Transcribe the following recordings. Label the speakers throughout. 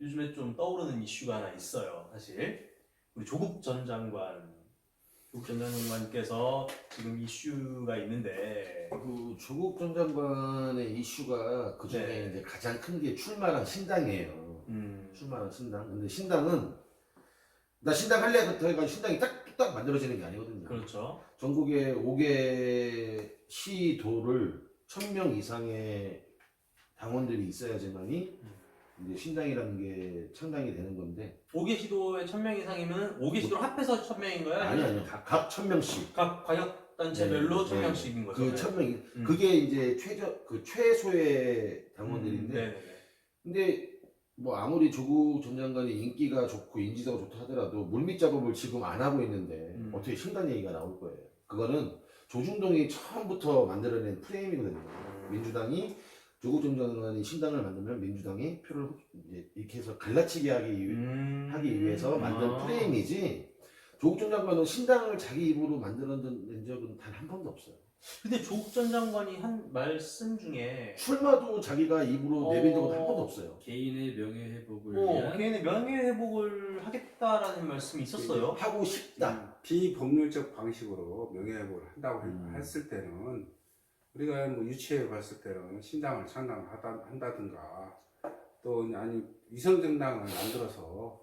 Speaker 1: 요즘에 좀 떠오르는 이슈가 하나 있어요. 사실 우리 조국 전 장관께서 지금 이슈가 있는데
Speaker 2: 그 조국 전 장관의 이슈가 그 중에
Speaker 1: 네.
Speaker 2: 이제 가장 큰 게 출마랑 신당이에요. 출마랑 신당. 근데 신당은 나 신당 할래부터 해가지고 신당이 딱 만들어지는 게 아니거든요.
Speaker 1: 그렇죠.
Speaker 2: 전국에 5개 시도를 1000명 이상의 당원들이 있어야지만이 이제 신당이라는 게 창당이 되는 건데
Speaker 1: 5개 시도에 1000명 이상이면 5개 시도를 합해서 1000명인 거야?
Speaker 2: 아니요. 각 1000명씩.
Speaker 1: 각 광역단체별로
Speaker 2: 네,
Speaker 1: 1000명씩인 거죠.
Speaker 2: 그 1000명이 그게 이제 최소의 당원들인데
Speaker 1: 네네네.
Speaker 2: 근데 뭐 아무리 조국 전 장관이 인기가 좋고 인지도가 좋다 하더라도 물밑 작업을 지금 안 하고 있는데 어떻게 신당 얘기가 나올 거예요. 그거는 조중동이 처음부터 만들어낸 프레임이거든요. 민주당이 조국 전 장관이 신당을 만들면 민주당이 표를 이제 이렇게 해서 갈라치기 하기 위해서 만든 프레임이지 조국 전 장관은 신당을 자기 입으로 만들어낸 적은 단 한 번도 없어요.
Speaker 1: 근데 조국 전 장관이 한 말씀 중에
Speaker 2: 출마도 자기가 입으로 내빈 적은 한 번도 없어요.
Speaker 3: 개인의 명예회복을 위한
Speaker 1: 개인의 명예회복을 하겠다라는 말씀이 있었어요.
Speaker 2: 하고 싶다.
Speaker 4: 비법률적 방식으로 명예회복을 한다고 했을 때는 우리가 뭐 유치해 봤을 때는 신당을 창당을 한다든가 또 아니 위성정당을 만들어서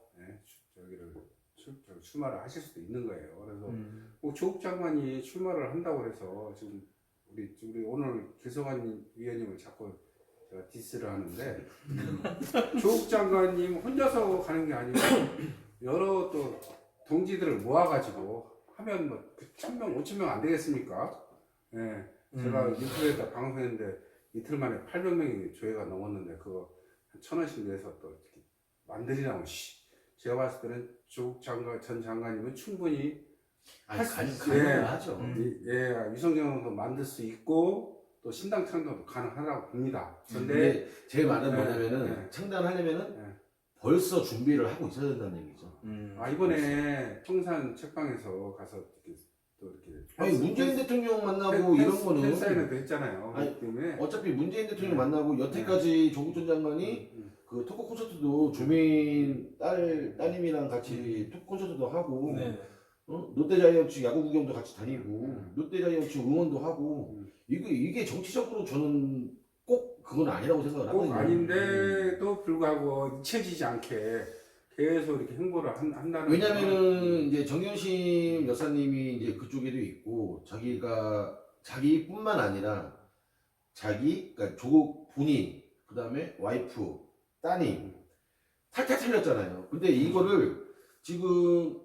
Speaker 4: 출마를 하실 수도 있는 거예요. 그래서 뭐 조국 장관이 출마를 한다고 해서 지금 우리 오늘 김성환 위원님을 자꾸 제가 디스를 하는데 조국 장관님 혼자서 가는 게 아니고 여러 또 동지들을 모아가지고 하면 뭐 1000명, 5000명 안 되겠습니까? 예. 제가 유튜브에다 방송했는데 이틀 만에 800명이 조회가 넘었는데 그거 한 1000원씩 내서 또 이렇게 만들이라고 제가 봤을 때는 조국 전 장관님은 충분히
Speaker 2: 가능하죠.
Speaker 4: 위성정당도 만들 수 있고 또 신당 창당도 가능하다고 봅니다.
Speaker 2: 근데 제 말은 뭐냐면은 창단하려면은 벌써 준비를 하고 있어야 된다는 얘기죠.
Speaker 4: 이번에 청산 책방에서 가서 이렇게
Speaker 2: 아니 문재인 대통령 만나고 이런 거는
Speaker 4: 팬사인회도 했잖아요.
Speaker 2: 아니,
Speaker 4: 때문에
Speaker 2: 어차피 문재인 대통령 만나고 여태까지 조국 전 장관이 그 토크 콘서트도 조민 따님이랑 같이 토크 콘서트도 하고 롯데자이언츠 야구 구경도 같이 다니고 롯데자이언츠 응원도 하고 이게 정치적으로 저는 꼭 그건 아니라고 생각을 하거든요.
Speaker 4: 꼭 아닌데도 불구하고 잊혀지지 않게 계속 이렇게 행보를 한다는.
Speaker 2: 왜냐면은 이제 정윤심 여사님이 이제 그쪽에도 있고 자기뿐만 아니라 그러니까 조국 본인 그다음에 와이프 따님 탈탈 털렸잖아요. 근데 이거를 지금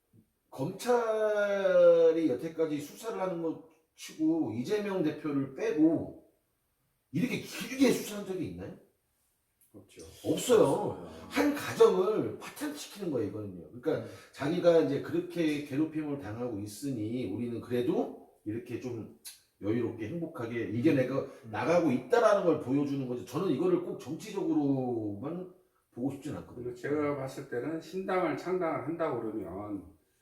Speaker 2: 검찰이 여태까지 수사를 하는 것 치고 이재명 대표를 빼고 이렇게 길게 수사한 적이 있나요?
Speaker 4: 없죠.
Speaker 2: 없어요. 한 가정을 파탄시키는 거예요, 이거는요. 그러니까 자기가 이제 그렇게 괴롭힘을 당하고 있으니 우리는 그래도 이렇게 좀 여유롭게 행복하게 이겨내고 나가고 있다라는 걸 보여주는 거죠. 저는 이거를 꼭 정치적으로만 보고 싶진 않거든요.
Speaker 4: 제가 봤을 때는 신당을 창당을 한다고 그러면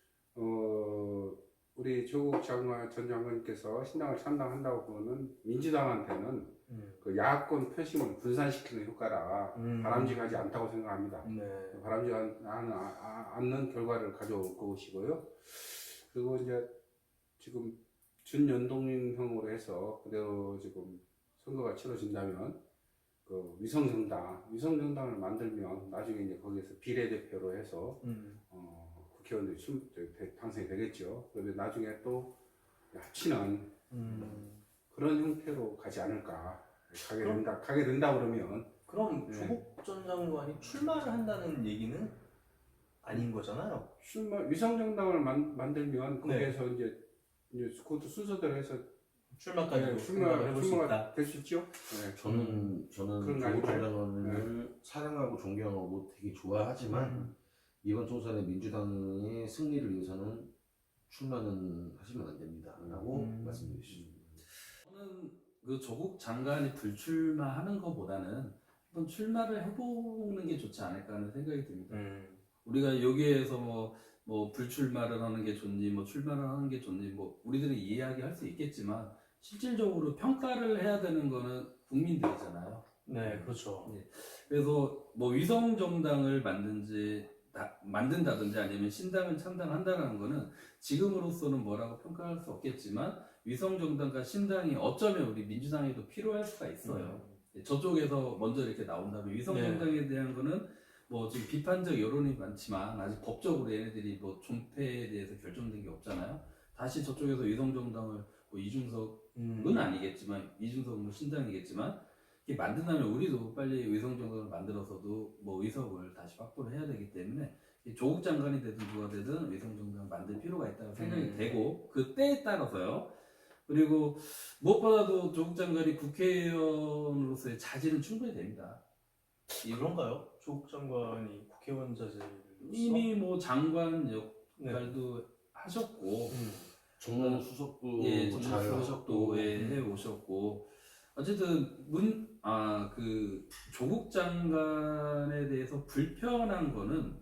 Speaker 4: 우리 조국 전 장관님께서 신당을 창당한다고 그러면 민주당한테는 그 야권 표심을 분산시키는 효과라 바람직하지 않다고 생각합니다. 바람직하지 않는 결과를 가져올 것이고요. 그리고 이제 지금 준연동형으로 해서 그대로 지금 선거가 치러진다면 그 위성정당을 만들면 나중에 이제 거기에서 비례대표로 해서 국회의원들이 당선이 되겠죠. 그런데 나중에 또 합치는 그런 형태로 가지 않을까. 가게 된다 그러면.
Speaker 1: 그럼 조국 전 장관이 출마를 한다는 얘기는 아닌 거잖아요.
Speaker 4: 위성정당을 만들면 거기에서 이제 그것도 순서대로 해서
Speaker 1: 출마까지 출마를 해볼 수 있다.
Speaker 4: 될 수 있죠.
Speaker 2: 저는 조국 전 장관을 사랑하고 존경하고 되게 좋아하지만 이번 총선에 민주당의 승리를 위해서는 출마는 하시면 안 됩니다라고 말씀드리겠습니다.
Speaker 3: 저는 그 조국 장관이 불출마하는 것보다는 한번 출마를 해보는 게 좋지 않을까 하는 생각이 듭니다. 우리가 여기에서 뭐 불출마를 하는 게 좋니 뭐 출마를 하는 게 좋니 뭐 우리들이 이야기할 수 있겠지만 실질적으로 평가를 해야 되는 거는 국민들이잖아요.
Speaker 1: 네, 그렇죠.
Speaker 3: 그래서 뭐 위성 정당을 만든다든지 아니면 신당을 창당한다는 거는 지금으로서는 뭐라고 평가할 수 없겠지만 위성 정당과 신당이 어쩌면 우리 민주당에도 필요할 수가 있어요. 저쪽에서 먼저 이렇게 나온다면 위성
Speaker 1: 네.
Speaker 3: 정당에 대한 거는 뭐 지금 비판적 여론이 많지만 아직 법적으로 얘네들이 뭐 존폐에 대해서 결정된 게 없잖아요. 다시 저쪽에서 위성 정당을 뭐 이준석은 아니겠지만 이준석 뭐 신당이겠지만 이게 만든다면 우리도 빨리 위성 정당을 만들어서도 뭐 의석을 다시 확보를 해야 되기 때문에 조국 장관이 되든 누가 되든 위성 정당 만들 필요가 있다고 생각이 되고 그 때에 따라서요. 그리고 무엇보다도 조국 장관이 국회의원으로서의 자질은 충분히 됩니다.
Speaker 1: 그런가요? 조국 장관이 국회의원 자질로서
Speaker 3: 이미 뭐 장관 역할도 하셨고
Speaker 2: 정무 수석도
Speaker 3: 예,
Speaker 2: 잘
Speaker 3: 정무
Speaker 2: 하셨고
Speaker 3: 수석도 해 오셨고 어쨌든 그 조국 장관에 대해서 불편한 거는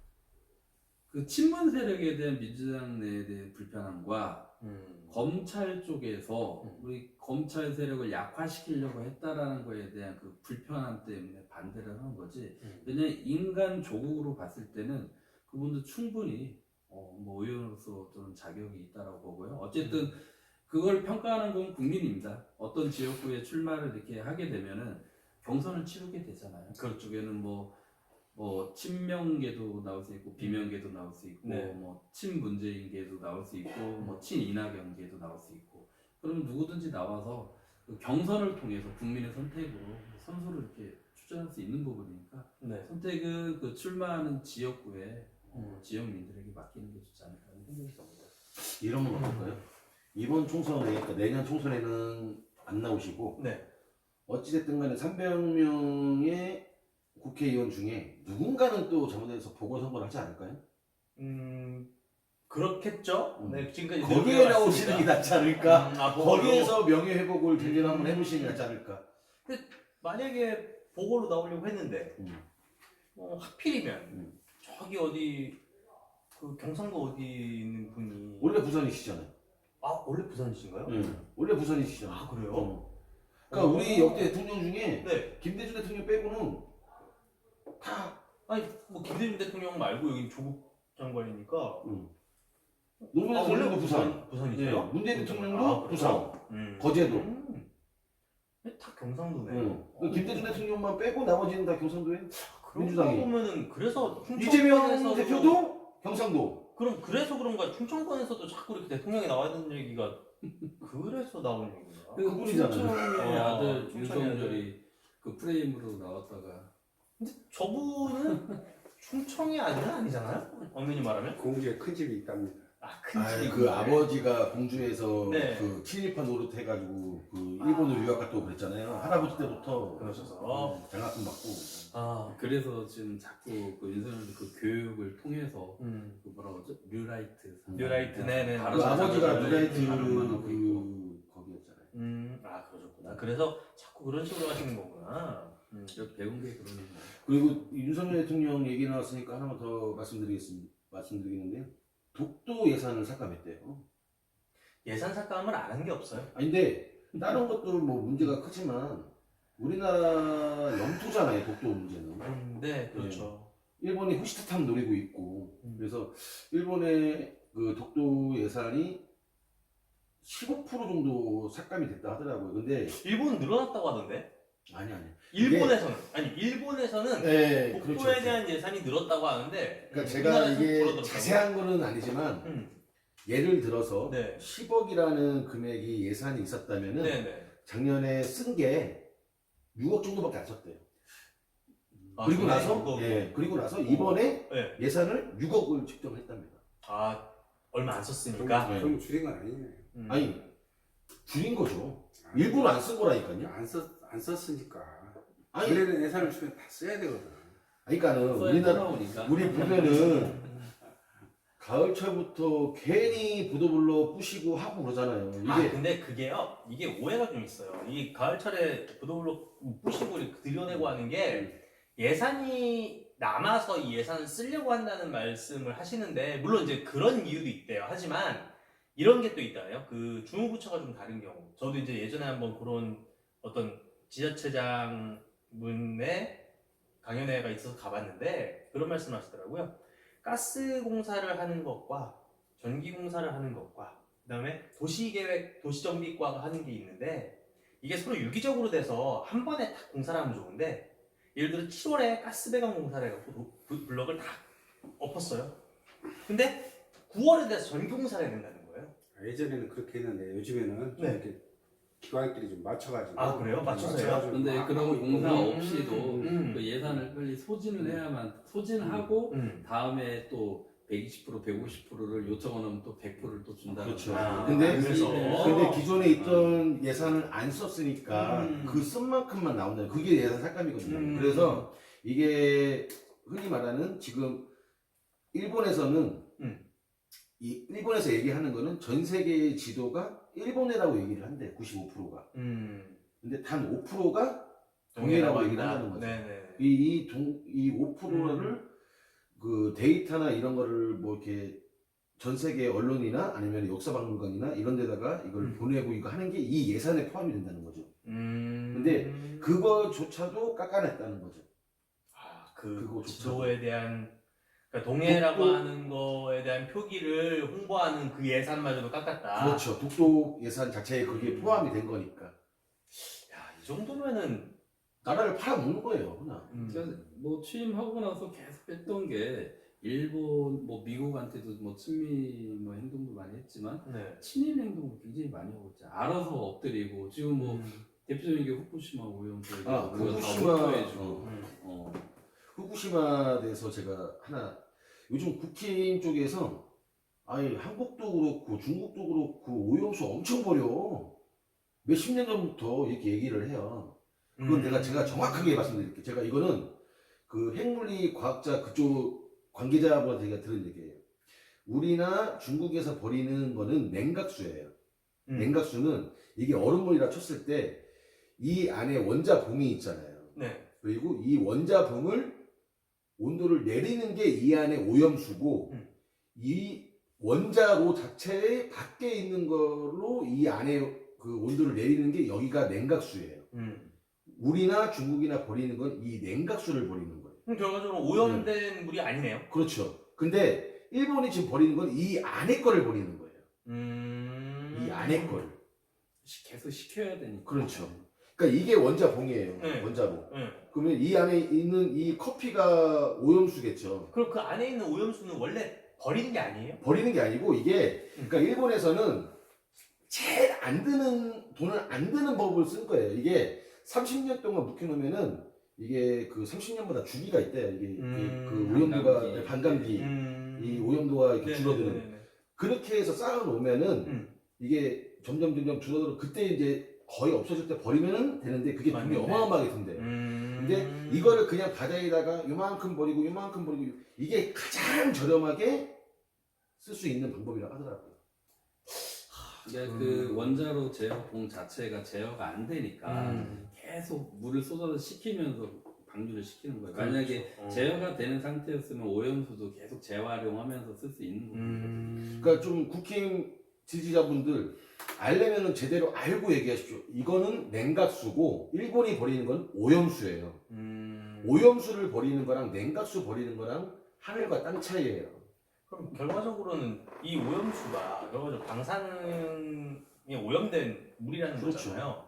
Speaker 3: 그 친문 세력에 대한 민주당 내에 대한 불편함과 검찰 쪽에서 우리 검찰 세력을 약화시키려고 했다라는 거에 대한 그 불편함 때문에 반대를 하는 거지. 왜냐면 인간 조국으로 봤을 때는 그분도 충분히 뭐 의원으로서 저는 자격이 있다라고 보고요. 어쨌든 그걸 평가하는 건 국민입니다. 어떤 지역구에 출마를 이렇게 하게 되면은 경선을 치르게 되잖아요. 그쪽에는 뭐 친명계도 나올 수 있고 비명계도 나올 수 있고
Speaker 1: 네.
Speaker 3: 뭐 친문재인계도 나올 수 있고 뭐 친이낙연계도 나올 수 있고 그러면 누구든지 나와서 그 경선을 통해서 국민의 선택으로 선수를 이렇게 추천할 수 있는 부분이니까
Speaker 1: 네.
Speaker 3: 선택은 그 출마하는 지역구에 지역민들에게 맡기는 게 좋지 않을까 하는 생각이 듭니다.
Speaker 2: 이런 건 어떨까요? 이번 총선에 그러니까 내년 총선에는 안 나오시고
Speaker 1: 네.
Speaker 2: 어찌됐든 간에 300명의 국회의원 중에 누군가는 또 잘못해서 보궐선거를 하지 않을까요?
Speaker 1: 그렇겠죠. 네, 지금까지
Speaker 2: 거기에
Speaker 1: 내용이
Speaker 2: 나오시는 게
Speaker 1: 맞습니다.
Speaker 2: 낫지 않을까?
Speaker 1: 보궐로.
Speaker 2: 거기에서 명예회복을 제대로 한번 해보시는 게 낫지 않을까?
Speaker 1: 만약에 보궐로 나오려고 했는데 하필이면 저기 어디 그 경상도 어디 있는 분이
Speaker 2: 원래 부산이시잖아요.
Speaker 1: 원래 부산이신가요?
Speaker 2: 원래 부산이시잖아요.
Speaker 1: 아, 그래요?
Speaker 2: 그러니까 우리 역대 대통령 중에
Speaker 1: 네.
Speaker 2: 김대중 대통령 빼고는 다
Speaker 1: 아니 뭐 김대중 대통령 말고 여기 조국 장관이니까.
Speaker 2: 노무현 대통령도 부산.
Speaker 1: 부산이세요?
Speaker 2: 네. 문재인 대통령도 부산.
Speaker 1: 그래요?
Speaker 2: 거제도.
Speaker 1: 다 경상도네.
Speaker 2: 김대중 대통령만 빼고 나머지는 다 경상도에.
Speaker 1: 그러고
Speaker 2: 민주당이.
Speaker 1: 보면은 그래서
Speaker 2: 이재명
Speaker 1: 충청권에서도
Speaker 2: 대표도 경상도.
Speaker 1: 그래서 그런가 충청권에서도 자꾸 이렇게 대통령이 나와야 되는 얘기가 그래서 나오는 얘기인가?
Speaker 2: 그분이잖아요.
Speaker 3: 충청의 아들
Speaker 1: 충청의
Speaker 3: 윤석열이 그 프레임으로 나왔다가
Speaker 1: 근데 저분은 충청이 아니잖아요? 엄연히 말하면?
Speaker 4: 공주에 큰 집이 있답니다.
Speaker 1: 큰 집이
Speaker 2: 그 아버지가 공주에서
Speaker 1: 네.
Speaker 2: 그 친일파 노릇 해가지고 그 일본으로 유학 갔다 오고 그랬잖아요. 할아버지 때부터
Speaker 1: 그러셔서.
Speaker 2: 장학금 받고.
Speaker 3: 그래서 지금 자꾸 그 윤석열이 그 교육을 통해서 그 뭐라고 하죠? 뉴라이트
Speaker 1: 뉴라이트, 네네.
Speaker 3: 바로
Speaker 2: 그 아버지가
Speaker 3: 자기가
Speaker 2: 누라이트
Speaker 3: 발음만 하고 있고.
Speaker 2: 그 거기였잖아요.
Speaker 1: 그러셨구나. 그래서 자꾸 그런 식으로 하시는 거구나.
Speaker 3: 제가 배운 게 그런 거예요.
Speaker 2: 그리고 윤석열 대통령 얘기 나왔으니까 하나만 더 말씀드리겠는데요. 독도 예산을 삭감했대요.
Speaker 1: 예산 삭감을 안 한 게 없어요.
Speaker 2: 근데 다른 것도 뭐 문제가 크지만 우리나라 영토잖아요. 독도 문제는.
Speaker 1: 네, 그렇죠.
Speaker 2: 일본이 호시타탐 노리고 있고 그래서 일본의 그 독도 예산이 15% 정도 삭감이 됐다 하더라고요. 근데
Speaker 1: 일본은 늘어났다고 하던데?
Speaker 2: 아니.
Speaker 1: 일본에서는
Speaker 2: 네,
Speaker 1: 독도에
Speaker 2: 그렇죠.
Speaker 1: 대한 예산이 늘었다고 하는데
Speaker 2: 그러니까 제가
Speaker 1: 우리나라에서는
Speaker 2: 이게
Speaker 1: 줄어들었다고.
Speaker 2: 자세한 거는 아니지만 예를 들어서
Speaker 1: 네.
Speaker 2: 10억이라는 금액이 예산이 있었다면은
Speaker 1: 네네.
Speaker 2: 작년에 쓴 게 6억 정도밖에 안 썼대요. 그리고
Speaker 1: 작년에
Speaker 2: 나서
Speaker 1: 6억.
Speaker 2: 그리고 나서 이번에
Speaker 1: 네.
Speaker 2: 예산을 6억을 책정을 했답니다.
Speaker 1: 얼마 안 썼으니까.
Speaker 2: 네.
Speaker 4: 그럼 줄인 건 아니네요.
Speaker 2: 아니 줄인 거죠. 일부러 안 쓴 거라니까요.
Speaker 4: 안 썼으니까.
Speaker 2: 아니
Speaker 4: 원래는 예산을 주면 다 써야 되거든.
Speaker 2: 그러니까는 우리 보면은 가을철부터 괜히 보도블록 부시고 하고 그러잖아요. 이게
Speaker 1: 근데 그게요, 이게 오해가 좀 있어요. 이 가을철에 보도블록 부시고 이렇게 들여내고 하는 게 예산이 남아서 이 예산을 쓰려고 한다는 말씀을 하시는데, 물론 이제 그런 이유도 있대요. 하지만 이런 게 또 있다요. 그 주무부처가 좀 다른 경우. 저도 이제 예전에 한번 그런 어떤 지자체장 분의 강연회가 있어서 가봤는데 그런 말씀 하시더라고요. 가스 공사를 하는 것과 전기 공사를 하는 것과 그다음에 도시계획, 도시정비과가 하는 게 있는데 이게 서로 유기적으로 돼서 한 번에 딱 공사를 하면 좋은데 예를 들어 7월에 가스 배관 공사를 해갖고 블럭을 다 엎었어요. 근데 9월에 돼서 전기 공사를 해야 된다는 거예요.
Speaker 4: 예전에는 그렇게 했는데 요즘에는 좀
Speaker 1: 네.
Speaker 4: 이렇게 기관들이 좀 맞춰가지고.
Speaker 1: 아, 그래요? 맞춰서요?
Speaker 4: 맞춰가지고
Speaker 3: 근데
Speaker 4: 막
Speaker 3: 그런
Speaker 4: 하고
Speaker 3: 공사
Speaker 4: 있고.
Speaker 3: 없이도 그 예산을 빨리 소진을 해야만 소진하고 다음에 또 120%, 150%를 요청하면 또 100%를 또 준다는
Speaker 2: 그렇죠.
Speaker 3: 거죠.
Speaker 1: 아,
Speaker 2: 근데
Speaker 1: 그래서
Speaker 2: 근데 기존에 있던 예산을 안 썼으니까 그 쓴 만큼만 나온다. 그게 예산 삭감이거든요. 그래서 이게 흔히 말하는 지금 일본에서는 이 일본에서 얘기하는 거는 전 세계의 지도가 일본해라고 얘기를 한대. 95%가. 근데 단 5%가 동해라고 얘기를 한다는 거죠.
Speaker 1: 네네.
Speaker 2: 이 5%를 그 데이터나 이런 거를 뭐 이렇게 전 세계 언론이나 아니면 역사박물관이나 이런 데다가 이걸 보내고 이거 하는 게 이 예산에 포함이 된다는 거죠. 근데 그거조차도 깎아냈다는 거죠.
Speaker 1: 그
Speaker 2: 그거
Speaker 1: 지도에 대한 그러니까 동해라고 하는 거에 대한 표기를 홍보하는 그 예산마저도 깎았다.
Speaker 2: 그렇죠. 독도 예산 자체에 그게 포함이 된 거니까.
Speaker 1: 야, 이 정도면은
Speaker 2: 나라를 팔아먹는 거예요, 그냥.
Speaker 3: 제가 뭐 취임하고 나서 계속 했던 게 일본 뭐 미국한테도 뭐 친미 뭐 행동도 많이 했지만
Speaker 1: 네.
Speaker 3: 친일 행동을 굉장히 많이 하고 있죠. 알아서 엎드리고 지금 뭐 대표적인 게 후쿠시마 오염수
Speaker 2: 아, 후쿠시마.
Speaker 3: 후쿠시마해주고
Speaker 2: 후쿠시마 대해서 제가 하나 요즘 국힘 쪽에서 아니 한국도 그렇고 중국도 그렇고 오염수 엄청 버려. 몇십 년 전부터 이렇게 얘기를 해요. 그건 제가 정확하게 말씀드릴게요. 제가 이거는 그 핵물리 과학자 그쪽 관계자분한테 제가 들은 얘기예요. 우리나 중국에서 버리는 거는 냉각수예요. 냉각수는 이게 얼음물이라 쳤을 때 이 안에 원자봉이 있잖아요.
Speaker 1: 네.
Speaker 2: 그리고 이 원자봉을 온도를 내리는 게 이 안에 오염수고 이 원자로 자체의 밖에 있는 걸로 이 안에 그 온도를 내리는 게 여기가 냉각수예요. 우리나 중국이나 버리는 건 이 냉각수를 버리는 거예요.
Speaker 1: 그럼 결과적으로 오염된 물이 아니네요.
Speaker 2: 그렇죠. 근데 일본이 지금 버리는 건 이 안에 거를 버리는 거예요. 이 안에 거를.
Speaker 3: 계속 시켜야 되니까.
Speaker 2: 그렇죠. 그러니까 이게 원자봉이에요.
Speaker 1: 네.
Speaker 2: 원자봉.
Speaker 1: 네.
Speaker 2: 그러면 이 안에 있는 이 커피가 오염수겠죠.
Speaker 1: 그럼 그 안에 있는 오염수는 원래 버리는 게 아니에요?
Speaker 2: 버리는 게 아니고 이게 그러니까 일본에서는 제일 안 드는 돈을 안 드는 법을 쓴 거예요. 이게 30년 동안 묵혀놓으면은 이게 그 30년마다 주기가 있대요. 이게 그 오염도가 반감기 이 오염도가 이렇게 줄어드는
Speaker 1: 네네네네.
Speaker 2: 그렇게 해서 쌓아놓으면은 이게 점점 줄어들어 그때 이제 거의 없어질 때 버리면은 되는데 그게 돈이
Speaker 1: 맞네.
Speaker 2: 어마어마하게 든대요. 근데 이거를 그냥 바다에다가 요만큼 버리고 이게 가장 저렴하게 쓸 수 있는 방법이라고 하더라고요.
Speaker 3: 그러니까 그 원자로 제어봉 자체가 제어가 안 되니까 계속 물을 쏟아서 식히면서 방류를 시키는 거예요. 만약에 제어가 되는 상태였으면 오염수도 계속 재활용하면서 쓸 수 있는 거예요.
Speaker 2: 그러니까 좀 국힘 지지자분들 알려면은 제대로 알고 얘기하십시오. 이거는 냉각수고 일본이 버리는 건 오염수예요. 오염수를 버리는 거랑 냉각수 버리는 거랑 하늘과 땅 차이예요.
Speaker 1: 그럼 결과적으로는 이 오염수가 결과적으로 방사능에 오염된 물이라는
Speaker 2: 그렇죠.
Speaker 1: 거잖아요.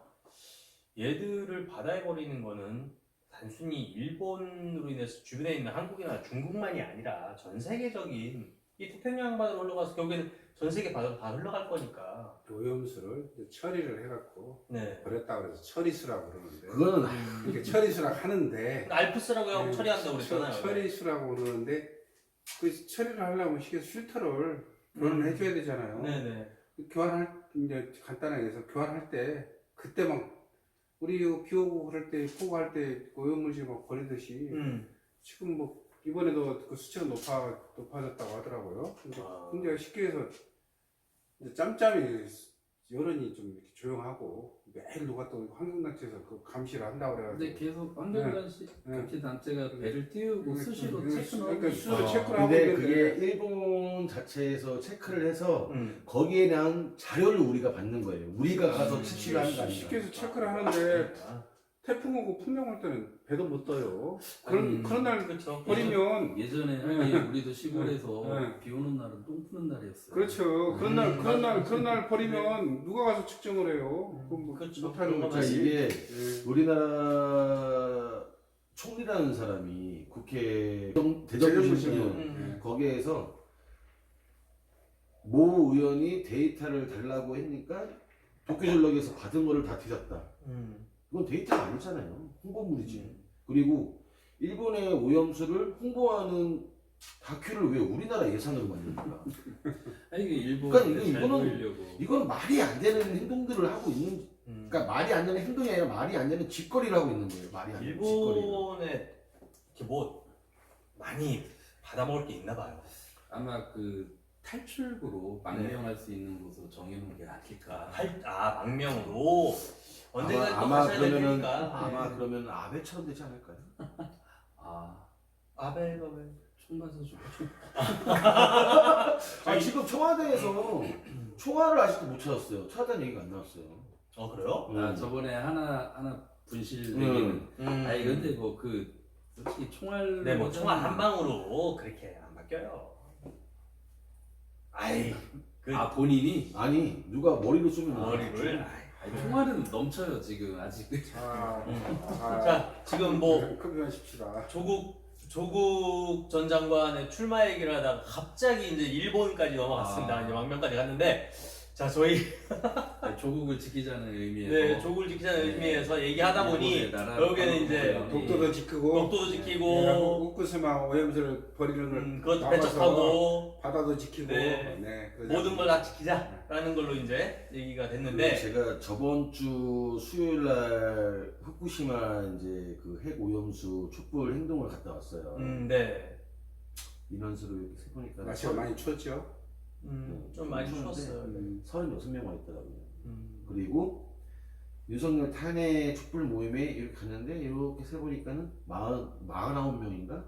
Speaker 1: 얘들을 바다에 버리는 거는 단순히 일본으로 인해서 주변에 있는 한국이나 중국만이 아니라 전 세계적인 이 태평양 바다로 흘러가서 결국에는 전 세계 바다로 다 흘러갈 거니까.
Speaker 4: 오염수를 이제 처리를 해갖고
Speaker 1: 네.
Speaker 4: 버렸다 그래서 처리수라고 그러는데
Speaker 2: 그거는
Speaker 4: 이렇게 처리수라고 하는데
Speaker 1: 알프스라고 하고
Speaker 4: 네,
Speaker 1: 처리한다고 그랬잖아요.
Speaker 4: 처리수라고 그러는데 그 처리를 하려면 시계 필터를 교환을 해줘야 되잖아요.
Speaker 1: 네네.
Speaker 4: 교환할 이제 간단하게 해서 교환할 때 그때 막 우리 비 오고 그럴 때 폭우할 때 오염물질 막 버리듯이 지금 뭐 이번에도 그 수치가 높아졌다고 하더라고요. 근데 굉장히 쉽게 해서 이제 짬짬이 여론이 좀 이렇게 조용하고 매일 누가 또 환경단체에서 그 감시를 한다고 그래가지고.
Speaker 3: 근데 계속 환경단체 단체가 배를 띄우고 수시로 체크를 하고
Speaker 4: 그러니까 수시로
Speaker 3: 있어요.
Speaker 4: 체크를 하고
Speaker 2: 근데
Speaker 4: 있는데
Speaker 2: 그게 일본 자체에서 체크를 해서 거기에 대한 자료를 우리가 받는 거예요. 우리가 가서 채취를 하는 거 아니에요.
Speaker 4: 쉽게 해서 체크를 하는데 태풍 오고 풍령 올 때는 배도 못 떠요.
Speaker 3: 아니,
Speaker 4: 그런 날
Speaker 1: 그렇죠.
Speaker 4: 버리면
Speaker 3: 예전에 하긴 우리도 시골에서
Speaker 4: 네.
Speaker 3: 비 오는 날은 똥 푸는 날이었어요.
Speaker 4: 그렇죠. 그런 날 버리면 누가 가서 측정을 해요? 그럼 뭐
Speaker 1: 그렇죠.
Speaker 4: 못하는
Speaker 1: 그런
Speaker 2: 그러니까
Speaker 4: 거지.
Speaker 2: 이게
Speaker 4: 예.
Speaker 2: 우리나라 총리라는 사람이 국회
Speaker 4: 재정부시는
Speaker 2: 대정부시는 거기에서 모 의원이 데이터를 달라고 했니까 도쿄전력에서 받은 거를 다 뒤졌다. 그건 데이터가 아니잖아요. 홍보물이지. 그리고 일본의 오염수를 홍보하는 다큐를 왜 우리나라 예산으로 만듭니까?
Speaker 3: 아니 이게 일본
Speaker 2: 그러니까
Speaker 3: 잘
Speaker 2: 이거는-
Speaker 3: 보이려고.
Speaker 2: 이건 말이 안 되는 행동들을 하고 있는, 그러니까 말이 안 되는 행동이 아니라 말이 안 되는 짓거리를 하고 있는 거예요. 말이 안 되는 짓거리.
Speaker 1: 일본에 이렇게 뭐 많이 받아먹을 게 있나 봐요.
Speaker 3: 아마 그 탈출구로 망명할 수 있는 곳으로 정해놓은 게 아닐까.
Speaker 1: 망명으로 언젠가 또
Speaker 2: 아마
Speaker 1: 가셔야 될
Speaker 2: 그러면은
Speaker 1: 테니까.
Speaker 2: 아마 그러면 아베처럼 되지 않을까요?
Speaker 3: 아,
Speaker 1: 아베가 왜?
Speaker 3: 총 맞아 주고.
Speaker 2: 지금 청와대에서 총알을 아직도 못 찾았어요. 찾았다는 얘기가 안 나왔어요.
Speaker 1: 그래요?
Speaker 3: 아 저번에 하나 분실 내기는. 아니 근데 뭐 그 솔직히 총알.
Speaker 1: 네, 뭐 총알 한 방으로 그렇게 안 바뀌어요. 아이,
Speaker 3: 아 본인이
Speaker 2: 아니 누가 머리로 쏘면
Speaker 1: 머리를.
Speaker 3: 아니, 총알은 넘쳐요 지금 아직.
Speaker 1: 자, 지금 뭐
Speaker 4: 그만하십시다.
Speaker 1: 조국 전 장관의 출마 얘기를 하다가 갑자기 이제 일본까지 넘어갔습니다. 이제 망명까지 갔는데, 자 저희
Speaker 3: 조국을 지키자는 의미에서.
Speaker 1: 네, 조국을 지키자는 의미에서 얘기하다 보니
Speaker 3: 일본의 나라
Speaker 1: 결국에는 이제
Speaker 3: 방법이-
Speaker 4: 독도도 지키고
Speaker 1: 독도도 지키고
Speaker 4: 우쿠스마 오염수를 버리는 걸
Speaker 1: 그것도
Speaker 4: 막아서
Speaker 1: 배척하고
Speaker 4: 바다도 지키고
Speaker 1: 네.
Speaker 4: 그러자.
Speaker 1: 모든 걸 다 지키자라는 걸로 이제 얘기가 됐는데,
Speaker 2: 제가 저번 주 수요일 날 후쿠시마 이제 그 핵 오염수 촛불 행동을 갔다 왔어요.
Speaker 1: 네,
Speaker 2: 인원수를 이렇게 세 보니까
Speaker 4: 날씨가 많이 추웠죠.
Speaker 1: 좀 많이
Speaker 2: 추웠는데
Speaker 1: 추웠어요.
Speaker 2: 36명 와 있더라고요. 그리고 윤석열 탄핵 촛불 모임에 이렇게 갔는데 이렇게 세 보니까는 49명인가?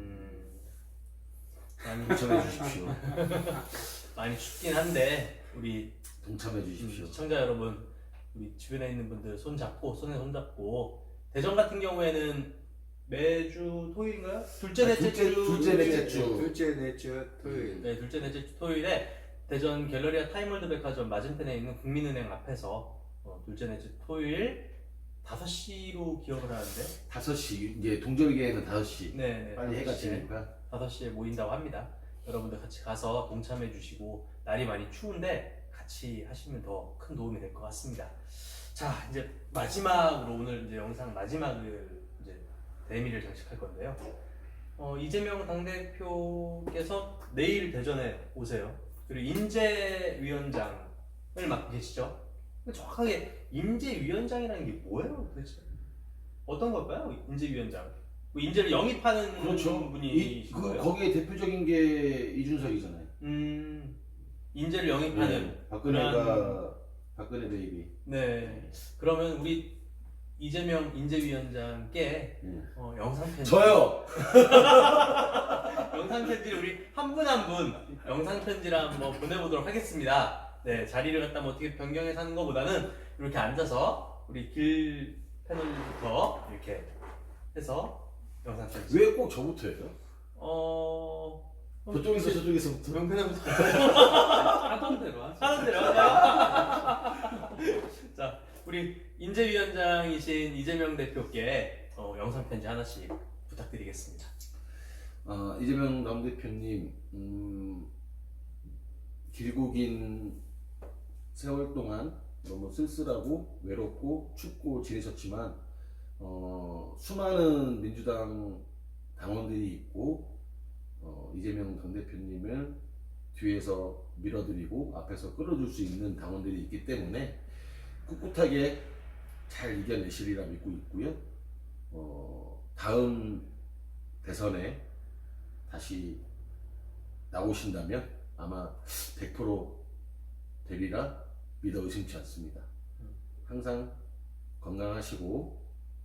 Speaker 1: 많이
Speaker 2: 동참해 주십시오.
Speaker 1: 많이 춥긴 한데 우리
Speaker 2: 동참해 주십시오.
Speaker 1: 시청자 여러분, 우리 주변에 있는 분들 손에 손 잡고 대전 같은 경우에는 매주 토요일인가요? 둘째 넷째 주
Speaker 2: 둘째, 넷째 주.
Speaker 4: 둘째 넷째 토요일.
Speaker 1: 네, 둘째 넷째 주 토요일에 대전 갤러리아 타임월드 백화점 맞은편에 있는 국민은행 앞에서 둘째 넷째 토요일 5시로 기억을 하는데
Speaker 2: 5시 이제 동절기에는 5시.
Speaker 1: 네,
Speaker 2: 빨리 해가 지니까.
Speaker 1: 5시에 모인다고 합니다. 여러분들 같이 가서 동참해 주시고, 날이 많이 추운데 같이 하시면 더 큰 도움이 될 것 같습니다. 자, 이제 마지막으로 오늘 이제 영상 마지막을 이제 대미를 장식할 건데요. 이재명 당대표께서 내일 대전에 오세요. 그리고 인재위원장을 맡고 계시죠. 정확하게 인재위원장이라는 게 뭐예요, 도대체? 어떤 걸까요, 인재위원장? 뭐 인재를 영입하는
Speaker 2: 그렇죠.
Speaker 1: 분이
Speaker 2: 거기에 대표적인 게 이준석이잖아요.
Speaker 1: 인재를 영입하는
Speaker 2: 박근혜 베이비.
Speaker 1: 네. 그러면 우리 이재명 인재위원장께
Speaker 2: 네.
Speaker 1: 영상 편지.
Speaker 2: 저요.
Speaker 1: 영상 편지를 우리 한 분 한 분 영상 편지를 한번 보내보도록 하겠습니다. 네, 자리를 갖다 뭐 어떻게 변경해서 하는 것보다는 이렇게 앉아서 우리 길 패널부터 이렇게 해서 영상 편지.
Speaker 2: 왜 꼭 저부터 해요? 저쪽에서 저쪽에서부터.
Speaker 1: 명패널부터
Speaker 3: 하던 대로 하죠.
Speaker 1: 하는 대로 하죠. 자, 우리 인재위원장이신 이재명 대표께 영상 편지 하나씩 부탁드리겠습니다.
Speaker 2: 이재명 남대표님, 길고 긴 세월 동안 너무 쓸쓸하고 외롭고 춥고 지내셨지만 수많은 민주당 당원들이 있고 이재명 당대표님을 뒤에서 밀어드리고 앞에서 끌어줄 수 있는 당원들이 있기 때문에 꿋꿋하게 잘 이겨내시리라 믿고 있고요. 다음 대선에 다시 나오신다면 아마 100% 되리라 믿어 의심치 않습니다. 항상 건강하시고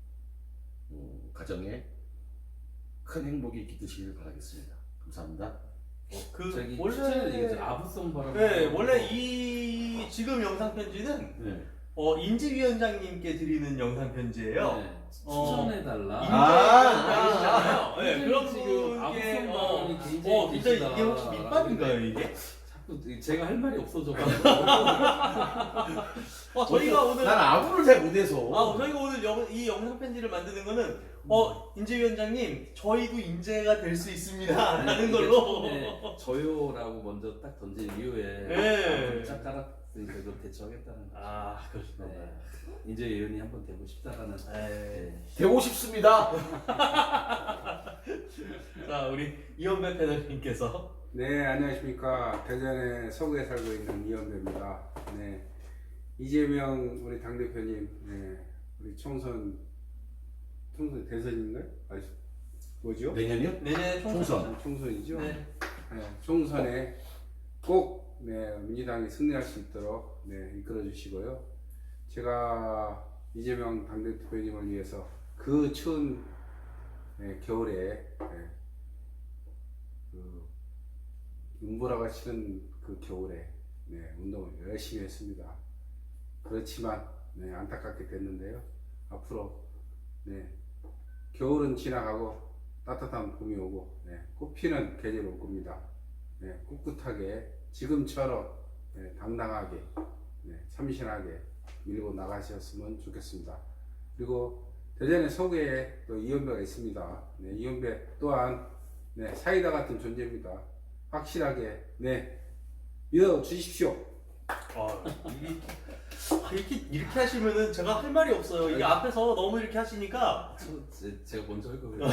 Speaker 2: 가정에 큰 행복이 깃드시길 바라겠습니다. 감사합니다.
Speaker 3: 저기
Speaker 1: 원래
Speaker 3: 추천해 드리겠죠. 아부송 바람.
Speaker 1: 네, 원래 이 지금 영상 편지는
Speaker 2: 네.
Speaker 1: 인지위원장님께 드리는 영상 편지예요.
Speaker 3: 네, 추천해달라.
Speaker 1: 인재위원장이시잖아요. 네, 그런
Speaker 3: 지금
Speaker 1: 분께
Speaker 3: 아부성방이
Speaker 1: 진짜
Speaker 3: 계시다.
Speaker 1: 이게 혹시 밑밥인가요 이게?
Speaker 3: 자꾸 제가 할 말이 없어져가지고.
Speaker 1: 저희가 오늘
Speaker 2: 난 아무를 잘 못해서.
Speaker 1: 저희가 오늘 이 영상 편지를 만드는 거는 인재위원장님 저희도 인재가 될 수 있습니다 라는 걸로.
Speaker 3: 처음에 저요라고 먼저 딱 던진 이후에
Speaker 1: 네.
Speaker 3: 짝 깔았으니까 그걸 대처하겠다는 거죠.
Speaker 1: 그렇습니다.
Speaker 3: 네. 인재 의원이 한번 되고 싶다라는. 네.
Speaker 2: 되고 싶습니다.
Speaker 1: 자, 우리 이현배 패널님께서
Speaker 4: 네, 안녕하십니까. 대전에 서구에 살고 있는 이현배입니다. 네, 이재명 우리 당대표님, 네, 우리 총선 대선인가요? 뭐죠?
Speaker 2: 내년이요?
Speaker 1: 내년
Speaker 2: 총선.
Speaker 4: 총선이죠?
Speaker 1: 네.
Speaker 4: 네, 총선에 꼭 민주당이 승리할 수 있도록 이끌어 주시고요. 제가 이재명 당대표님을 위해서 그 추운 겨울에 그 눈보라가 치는 그 겨울에 운동을 열심히 했습니다. 그렇지만 안타깝게 됐는데요. 앞으로 겨울은 지나가고 따뜻한 봄이 오고 꽃피는 계절이 올 겁니다. 꿋꿋하게 지금처럼 당당하게 참신하게 밀고 나가셨으면 좋겠습니다. 그리고 대전의 서구에 또 이현배가 있습니다. 이현배 또한 사이다 같은 존재입니다. 확실하게 믿어 주십시오.
Speaker 1: 이렇게 하시면은 제가 할 말이 없어요. 이게 앞에서 너무 이렇게 하시니까
Speaker 3: 제가 먼저 할 거고요.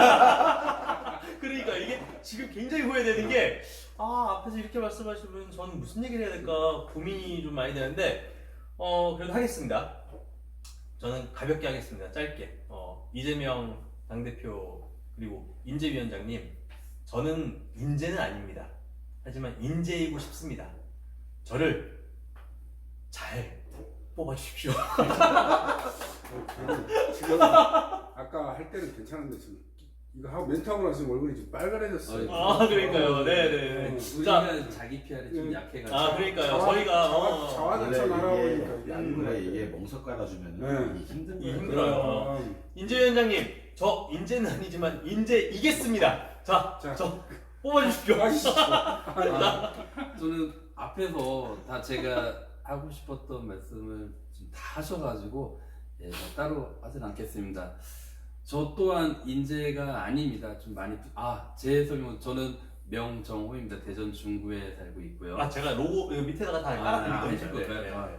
Speaker 1: 그러니까 이게 지금 굉장히 후회되는 게 앞에서 이렇게 말씀하시면 저는 무슨 얘기를 해야 될까 고민이 좀 많이 되는데 그래도 하겠습니다. 저는 가볍게 하겠습니다. 짧게. 이재명 당대표 그리고 인재위원장님, 저는 인재는 아닙니다. 하지만 인재이고 싶습니다. 저를 잘 뽑아주십시오.
Speaker 4: 지금 아까 할 때는 괜찮은데 지금 이거 하고 멘트하고 나서 얼굴이 좀 빨간해졌어요.
Speaker 1: 그러니까요. 네네.
Speaker 3: 우리가 자기 PR이 좀 약해가지고.
Speaker 1: 그러니까요. 저희가
Speaker 4: 자화자찬 알아보니까 이게 안
Speaker 2: 원래
Speaker 4: 그래요.
Speaker 2: 이게 멍석 깔아주면 이게 힘든 거예요.
Speaker 1: 힘들어요. 인재위원장님, 저 인재는 아니지만 인재이겠습니다. 저 뽑아주십시오.
Speaker 3: 저는 앞에서 다 제가 하고 싶었던 말씀을 좀 다 하셔가지고 따로 하진 않겠습니다. 저 또한 인재가 아닙니다. 좀 많이 제 설명 저는 명정호입니다. 대전 중구에 살고 있고요.
Speaker 1: 제가 로고 여기 밑에다가 다 깔아드릴
Speaker 3: 해줄
Speaker 1: 거니까.
Speaker 3: 건가요?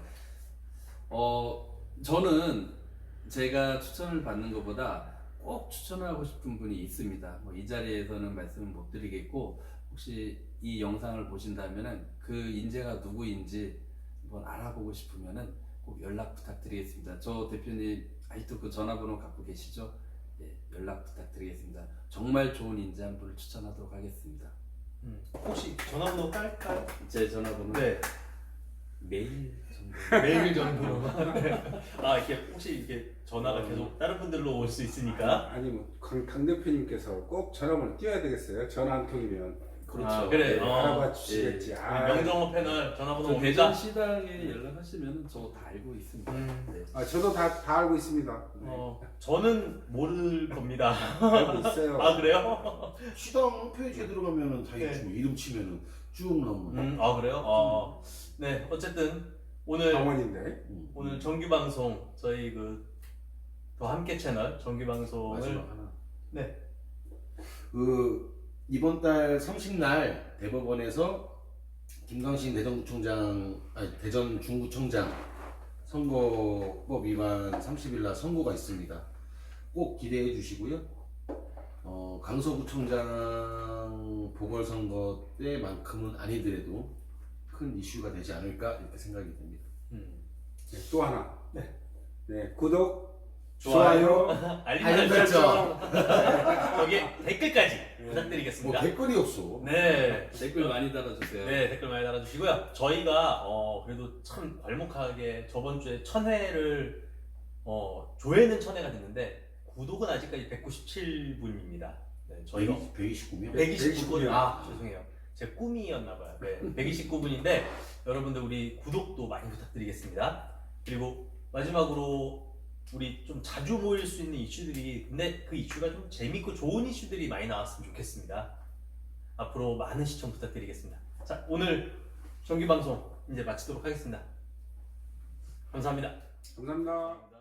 Speaker 3: 저는 제가 추천을 받는 것보다 꼭 추천하고 싶은 분이 있습니다. 이 자리에서는 말씀을 못 드리겠고 혹시 이 영상을 보신다면은 그 인재가 누구인지 한번 알아보고 싶으면은 꼭 연락 부탁드리겠습니다. 저 대표님 아직도 그 전화번호 갖고 계시죠? 연락 부탁드리겠습니다. 정말 좋은 인재 한 분을 추천하도록 하겠습니다.
Speaker 1: 혹시 전화번호 깔까요?
Speaker 3: 제 전화번호 메일 정도.
Speaker 1: 메일 정도로만. 이렇게 혹시 이렇게 전화가 계속 다른 분들로 올 수 있으니까.
Speaker 4: 아니 강 대표님께서 꼭 전화번호 띄워야 되겠어요. 전화 한 통이면.
Speaker 3: 그렇죠.
Speaker 1: 그래.
Speaker 4: 알아봐 주시겠지.
Speaker 1: 명정호 패널 전화번호
Speaker 3: 대전
Speaker 1: 옵니다.
Speaker 3: 시당에 연락하시면 저 다 알고 있습니다. 네.
Speaker 4: 저도 다 알고 있습니다.
Speaker 1: 저는 모를 겁니다.
Speaker 4: 알고 있어요.
Speaker 1: 그래요?
Speaker 2: 시당 홈페이지에 들어가면은 다 있지. 이름 치면은 쭉 나옵니다.
Speaker 1: 그래요? 네, 어쨌든 오늘
Speaker 4: 강원인데.
Speaker 1: 오늘 정규 방송 저희 더 함께 채널 정규 방송을
Speaker 2: 마지막 하나.
Speaker 1: 네.
Speaker 2: 이번 달 30날 대법원에서 김광신 대전 중구청장 선거법 위반 30일 날 선고가 있습니다. 꼭 기대해 주시고요. 강서구청장 보궐선거 때만큼은 아니더라도 큰 이슈가 되지 않을까 이렇게 생각이 됩니다.
Speaker 4: 또 하나. 구독,
Speaker 1: 좋아요,
Speaker 4: 좋아요.
Speaker 1: 알림 설정, 거기에 댓글까지 부탁드리겠습니다.
Speaker 2: 댓글이 없어.
Speaker 1: 네.
Speaker 3: 댓글 많이 달아주세요.
Speaker 1: 네, 댓글 많이 달아주시고요. 저희가 그래도 참 괄목하게 저번 주에 1000회를 조회는 1000회가 됐는데 구독은 아직까지 197분입니다. 네, 저희가
Speaker 2: 129명?
Speaker 1: 129분. 죄송해요. 제 꿈이었나봐요. 네, 129분인데 여러분들 우리 구독도 많이 부탁드리겠습니다. 그리고 마지막으로 우리 좀 자주 모일 수 있는 이슈들이, 근데 그 이슈가 좀 재밌고 좋은 이슈들이 많이 나왔으면 좋겠습니다. 앞으로 많은 시청 부탁드리겠습니다. 자, 오늘 정규 방송 이제 마치도록 하겠습니다. 감사합니다.
Speaker 4: 감사합니다.